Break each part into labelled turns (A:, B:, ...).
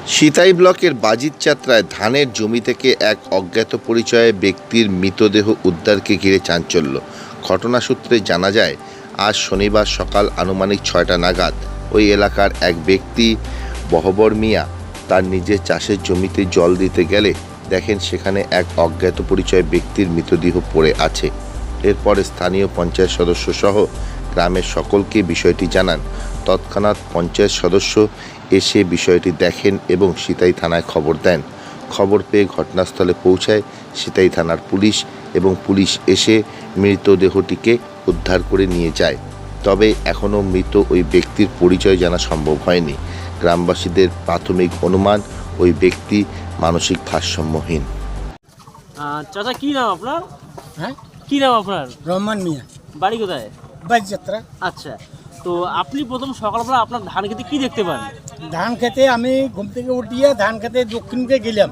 A: সিতাই ব্লকের বাজিতযাত্রায় ধানের জমি থেকে এক অজ্ঞাত পরিচয়ে ব্যক্তির মৃতদেহ উদ্ধারকে ঘিরে চাঞ্চল্য। ঘটনা সূত্রে জানা যায়, আজ শনিবার সকাল আনুমানিক 6টা নাগাদ ওই এলাকার এক ব্যক্তি বহবর মিয়া তার নিজের চাষের জমিতে জল দিতে গেলে দেখেন সেখানে এক অজ্ঞাত পরিচয় ব্যক্তির মৃতদেহ পড়ে আছে। এরপরে স্থানীয় পঞ্চায়েত সদস্য সহ গ্রামের সকলকে বিষয়টি জানান। তৎক্ষণাৎ পঞ্চায়েত সদস্য এসে বিষয়টি দেখেন এবং সিতাই থানায় খবর দেন। খবর পেয়ে ঘটনাস্থলে পৌঁছায় সিতাই থানার পুলিশ এবং পুলিশ এসে মৃতদেহটিকে উদ্ধার করে নিয়ে যায়। তবে এখনও মৃত ওই ব্যক্তির পরিচয় জানা সম্ভব হয়নি। গ্রামবাসীদের প্রাথমিক অনুমান ওই ব্যক্তি মানসিক ভারসাম্যহীন।
B: চাচা কি নাম আপনার?
C: হ্যাঁ,
B: কি নাম আপনার?
C: রহমান মিয়া,
B: বাড়ি কোথায়?
C: বাজিযাত্রা।
B: আচ্ছা, তো আপনি প্রথম সকালবেলা আপনার ধান খেতে কি দেখতে পান?
C: ধান খেতে আমি ঘুম থেকে উঠিয়ে ধান খেতে দক্ষিণমুখে গেলাম।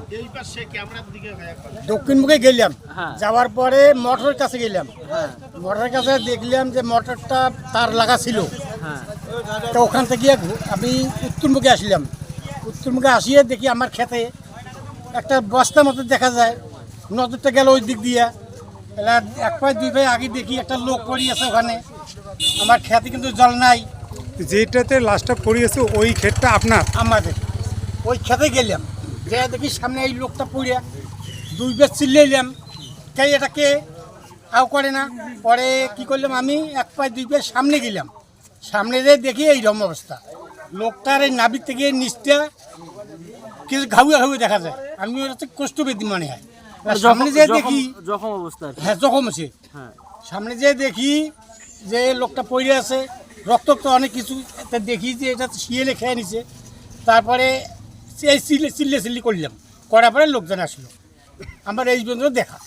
B: হ্যাঁ।
C: যাওয়ার পরে মোটরের কাছে গেলাম।
B: হ্যাঁ
C: মোটরের কাছে দেখলাম যে মোটরটা তার লাগা ছিল।
B: হ্যাঁ
C: তো ওখান থেকে আমি উত্তরমুখে আসলাম। উত্তরমুখে আসিয়ে দেখি আমার খেতে একটা বস্তা মতো দেখা যায়। নজরটা গেল ওই দিক দিয়ে। এবার এক পায়ে দুই পায়ে আগে দেখি একটা লোক পড়ে আছে ওখানে। আমার খেতে কিন্তু জল নাই।
D: যেটাতে লাশটা পড়িয়েছে ওই ক্ষেতটা আপনার?
C: আমাদের ওই খেতে গেলাম, যে দেখি সামনে এই লোকটা পড়ে দুই বেশ চিল্লাইলাম, কে এটাকে আও করে না। পরে কি করলাম, আমি এক পায়ে দুই পায়ে সামনে গেলাম। সামনে যেয়ে দেখি এইরকম অবস্থা। লোকটার এই নাভির থেকে নিচটা কিছু ঘাউয়া ঘাউয়ে দেখা যায়। আমি ওটা কষ্ট পেতি মনে হয়। সামনে যেয়ে দেখি
B: জখম অবস্থা।
C: হ্যাঁ, জখম আছে।
B: হ্যাঁ,
C: সামনে যেয়ে দেখি যে লোকটা পড়ে আছে, রক্ত তো অনেক কিছু। তা দেখি যে এটা শিয়েলে খেয়ে নিছে। তারপরে এই চিল্লি করলাম, করার পরে লোকজন আসলো। আমার এই পর্যন্ত দেখা।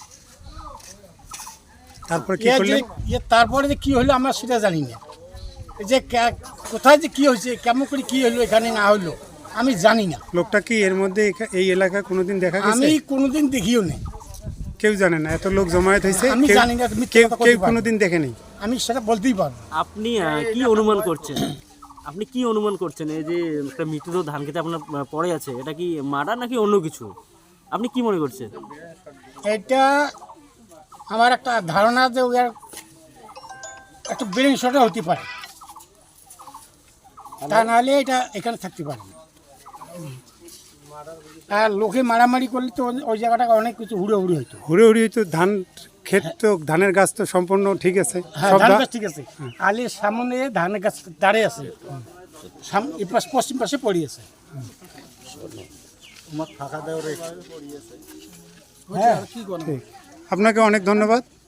D: তারপরে কি করলেন?
C: তারপরে যে কী হলো আমরা সেটা জানি না। এই যে কোথায় যে কী হয়েছে, কেমন করে কী হলো, এখানে না হলো আমি জানি না।
D: লোকটা কি এর মধ্যে এই এলাকায় কোনোদিন দেখা গেছে?
C: আমি কোনোদিন দেখিও নেই।
D: কেউ জানে না এত লোক জমায়েত হয়েছে?
C: আমি জানি না, তুমি
D: কেউ কোনোদিন দেখেনি?
C: আমি সেটা বলতেই পারবো।
B: আপনি কি অনুমান করছেন? আপনি কি অনুমান করছেন এই যে একটা মৃতদেহ ধান খেতে আপনার পড়ে আছে, এটা কি মার্ডার নাকি অন্য কিছু? আপনি কি মনে করছেন?
C: এটা আমার একটা ধারণা যে ওর একটু ব্রেন শটও হতে পারে, তা নাহলে এটা এখানে থাকতে পারে না। আর লোকে মারামারি করলে তো ওই জায়গাটা অনেক কিছু হুড়োহুড়ি হইতো।
D: হুড়োহুড়ি তো ধান ক্ষেত তো ধানের গাছ তো সম্পূর্ণ ঠিক আছে।
C: হ্যাঁ,
D: সব
C: ধান গাছ ঠিক আছে। আলের সামনে ধানের গাছ দাঁড়িয়ে আছে, পশ্চিম পাশে পড়ে আছে। হ্যাঁ,
D: ঠিক। আপনাকে অনেক ধন্যবাদ।